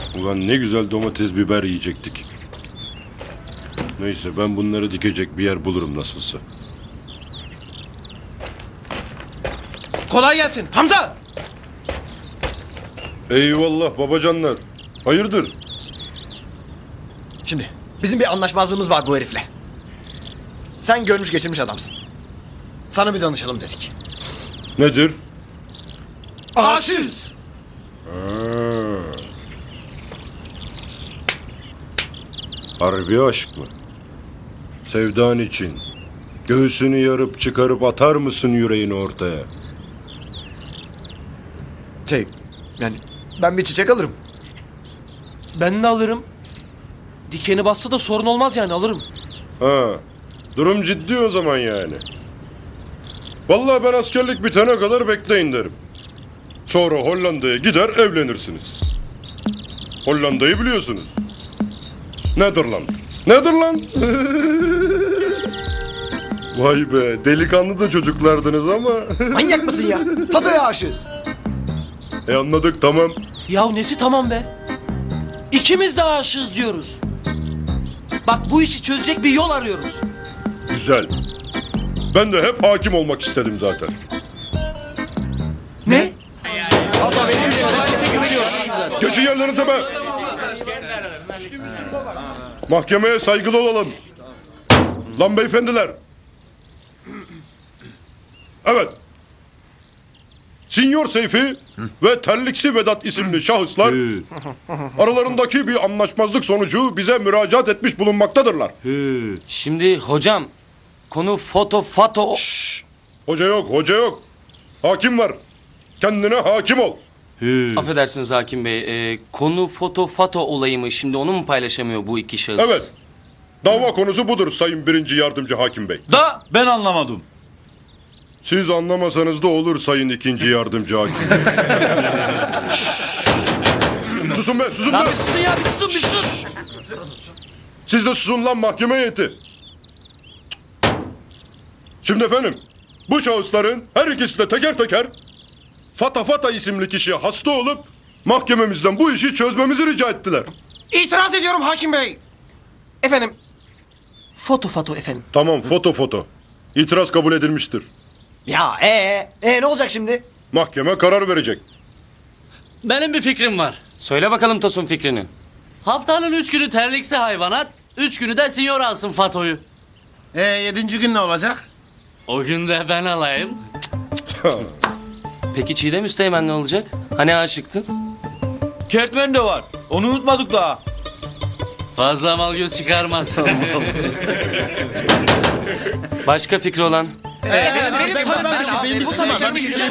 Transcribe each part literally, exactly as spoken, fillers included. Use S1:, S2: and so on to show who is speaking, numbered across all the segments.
S1: Ulan ne güzel domates biber yiyecektik. Neyse ben bunları dikecek bir yer bulurum nasılsa.
S2: Kolay gelsin. Hamza!
S1: Eyvallah babacanlar. Hayırdır?
S3: Şimdi bizim bir anlaşmazlığımız var bu herifle. Sen görmüş geçirmiş adamsın. Sana bir danışalım dedik.
S1: Nedir?
S3: Aşığız.
S1: Harbi aşk mı? Sevdan için. Göğsünü yarıp çıkarıp atar mısın yüreğini ortaya?
S3: Şey yani ben bir çiçek alırım.
S2: Ben de alırım. Dikeni bassa da sorun olmaz yani alırım.
S1: Ha, durum ciddi o zaman yani. Vallahi ben askerlik bitene kadar bekleyin derim. Sonra Hollanda'ya gider evlenirsiniz. Hollanda'yı biliyorsunuz. Netherland. Netherland. Vay be, delikanlı da çocuklardınız ama.
S3: Manyak mısın ya? Fatoya aşığız.
S1: E anladık, tamam.
S2: Ya nesi tamam be? İkimiz de aşığız diyoruz. Bak bu işi çözecek bir yol arıyoruz.
S1: Güzel. Ben de hep hakim olmak istedim zaten.
S2: Ne?
S1: Geçin yerlerinize be. Mahkemeye saygılı olalım. Lan beyefendiler. Evet. Sinyor Seyfi ve Terliksi Vedat isimli şahıslar aralarındaki bir anlaşmazlık sonucu bize müracaat etmiş bulunmaktadırlar.
S4: Şimdi hocam konu foto fato...
S1: Hoca yok, hoca yok. Hakim var. Kendine hakim ol.
S4: Affedersiniz hakim bey. e, konu foto fato olayı mı? Şimdi onu mu paylaşamıyor bu iki şahıs?
S1: Evet. Dava konusu budur Sayın Birinci Yardımcı Hakim Bey.
S5: Da ben anlamadım.
S1: Siz anlamasanız da olur Sayın İkinci Yardımcı Hakim Bey. Susun be, susun
S2: Lan
S1: be.
S2: bir susun ya bir susun bir susun.
S1: Siz de susun lan mahkeme heyeti. Şimdi efendim, bu şahısların her ikisi de teker teker Fata Fata isimli kişiye hasta olup mahkememizden bu işi çözmemizi rica ettiler.
S2: İtiraz ediyorum hakim bey. Efendim. Foto foto efendim.
S1: Tamam, foto foto. İtiraz kabul edilmiştir.
S3: Ya ee, ee ne olacak şimdi?
S1: Mahkeme karar verecek.
S6: Benim bir fikrim var.
S4: Söyle bakalım Tosun fikrini.
S6: Haftanın üç günü terliksi hayvanat, üç günü de sinyor alsın Fato'yu.
S5: E yedinci gün ne olacak?
S6: O gün de ben alayım.
S4: Peki Çiğdem Üsteğmen ne olacak? Hani aşıktın?
S5: Kertmen de var. Onu unutmadık daha.
S6: Fazla mal göz çıkarmaz.
S4: Başka fikri olan?
S2: benim benim tanım ben abi. Bu tamam. Ben bir şey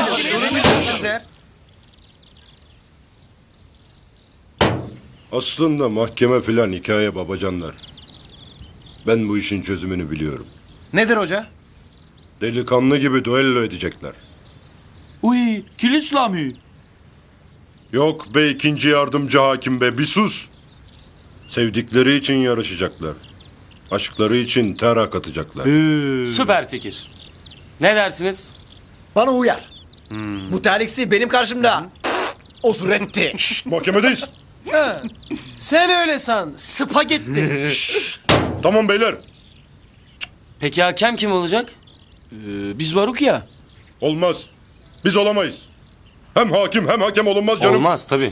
S1: Aslında mahkeme filan hikaye babacanlar. Ben bu işin çözümünü biliyorum.
S5: Nedir hoca?
S1: Delikanlı gibi duello edecekler.
S5: Uy, kilit İslami.
S1: Yok be ikinci yardımcı hakim be, bir sus. Sevdikleri için yarışacaklar. Aşkları için ter akıtacaklar.
S4: Süper fikir. Ne dersiniz?
S3: Bana uyar. Bu terliksi benim karşımda. O suretti.
S1: Mahkemedeyiz.
S2: Sen öyle san. Spagetti.
S1: Tamam beyler.
S4: Peki hakem kim olacak?
S5: Ee, biz varuk ya.
S1: Olmaz. Biz olamayız. Hem hakim hem hakem olunmaz canım.
S4: Olmaz tabii.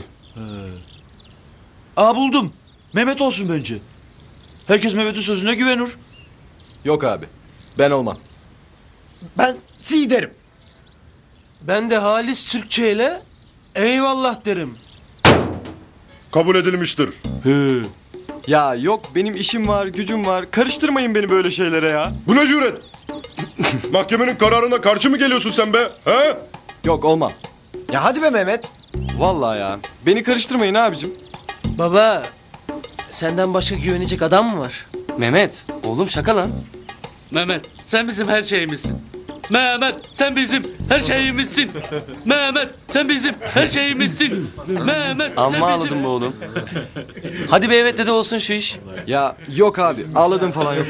S5: Aa buldum. Mehmet olsun bence. Herkes Mehmet'in sözüne güvenir.
S3: Yok abi. Ben olmam. Ben si derim.
S2: Ben de halis Türkçe ile eyvallah derim.
S1: Kabul edilmiştir.
S5: He.
S7: Ya yok benim işim var, gücüm var. Karıştırmayın beni böyle şeylere ya.
S1: Bu ne cüret? Mahkemenin kararına karşı mı geliyorsun sen be? He?
S7: Yok olmam.
S3: Ya hadi be Mehmet.
S7: Vallahi ya. Beni karıştırmayın abicim.
S2: Baba senden başka güvenecek adam mı var?
S4: Mehmet, oğlum şaka lan.
S6: Mehmet, sen bizim her şeyimizsin. Mehmet, sen bizim her şeyimizsin. Mehmet, sen bizim her şeyimizsin. Mehmet, sen
S4: Amma
S6: bizim...
S4: ağladım be oğlum. Hadi be evet dedi olsun şu iş.
S7: Ya yok abi ağladım falan yok.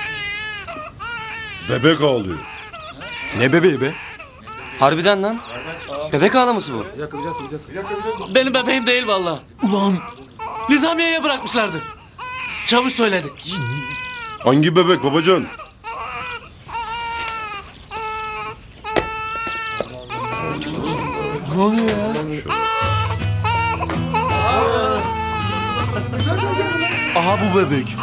S1: Bebek ağlıyor.
S7: Ne bebeği be?
S4: Harbiden lan. Bebek ağlaması bu.
S6: Benim bebeğim değil vallahi.
S5: Ulan
S6: Nizamiye'ye bırakmışlardı. Çavuş söyledi.
S1: Hangi bebek babacan?
S5: ne oluyor ya? Aha bu bebek.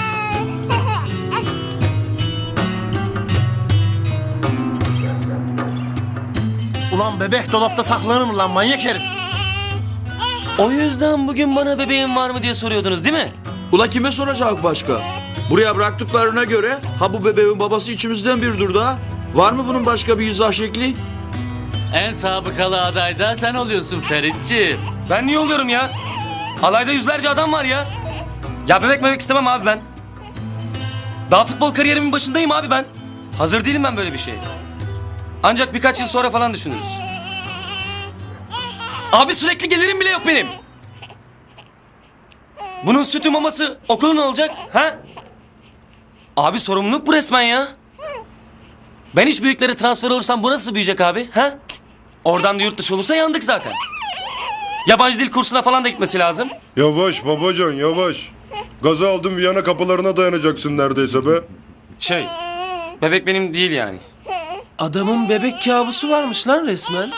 S3: Ulan bebek dolapta saklanır mı lan manyak herif?
S4: O yüzden bugün bana bebeğim var mı diye soruyordunuz değil mi?
S5: Ula kime soracak başka? Buraya bıraktıklarına göre ha bu bebeğin babası içimizden biridir da. Var mı bunun başka bir izah şekli?
S6: En sabıkalı aday da sen oluyorsun Feritçi.
S4: Ben niye oluyorum ya? Alayda yüzlerce adam var ya. Ya bebek bebek istemem abi ben. Daha futbol kariyerimin başındayım abi ben. Hazır değilim ben böyle bir şeye. Ancak birkaç yıl sonra falan düşünürüz. Abi sürekli gelirim bile yok benim. Bunun sütü maması okulu ne olacak? Ha? Abi sorumluluk bu resmen ya. Ben hiç büyüklere transfer olursam bu nasıl büyüyecek abi? Ha? Oradan da yurt dışı olursa yandık zaten. Yabancı dil kursuna falan da gitmesi lazım.
S1: Yavaş babacan yavaş. Gazı aldın Viyana kapılarına dayanacaksın neredeyse be.
S4: Şey, bebek benim değil yani.
S2: Adamın bebek kabusu varmış lan resmen.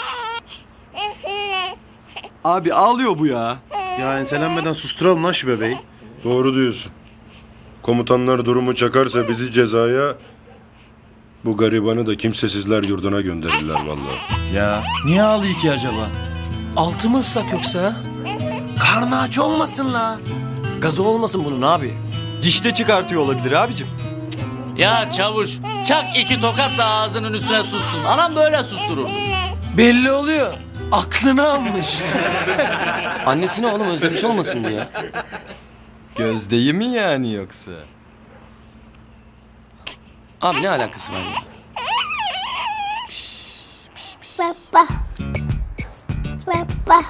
S7: Abi ağlıyor bu ya.
S8: Ya enselenmeden susturalım lan şu bebeği.
S1: Doğru diyorsun. Komutanlar durumu çakarsa bizi cezaya... Bu garibanı da kimsesizler yurduna gönderirler vallahi.
S5: Ya niye ağlıyor ki acaba?
S2: Altı mı ıslak yoksa? ha?
S3: Karnı aç olmasın la. Gazı olmasın bunun abi.
S7: Dişte çıkartıyor olabilir abicim.
S6: Ya çavuş çak iki tokat da ağzının üstüne sussun. Anam böyle sustururdu.
S2: Belli oluyor. Aklını almış.
S4: Annesini oğlum özlemiş olmasın diye.
S7: Gözdeyi mi yani yoksa?
S4: Abi ne alakası var ya?
S9: Papa. Papa.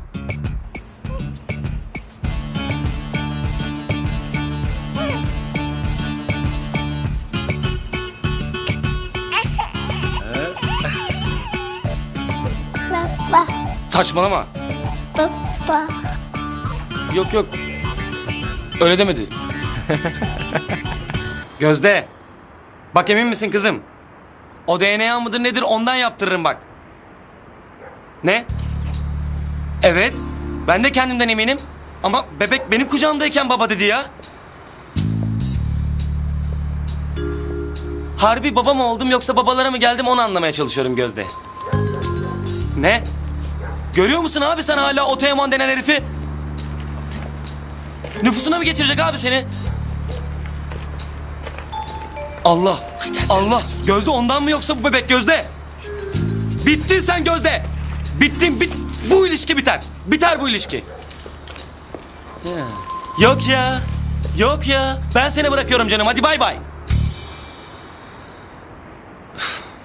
S9: Papa.
S4: Saçmalama.
S9: Papa.
S4: Yok yok. Öyle demedi. Gözde. Bak emin misin kızım? O D N A mıdır nedir ondan yaptırırım bak. Ne? Evet. Ben de kendimden eminim. Ama bebek benim kucağımdayken baba dedi ya. Harbi baba mı oldum yoksa babalara mı geldim onu anlamaya çalışıyorum Gözde. Ne? Görüyor musun abi sen hala o Teoman denen herifi? Nüfusuna mı geçirecek abi seni? Allah, Allah. Gözde ondan mı yoksa bu bebek Gözde? Bittin sen Gözde. Bittin, bit. Bu ilişki biter. Biter bu ilişki. Ya. Yok ya, yok ya. Ben seni bırakıyorum canım. Hadi bay bay.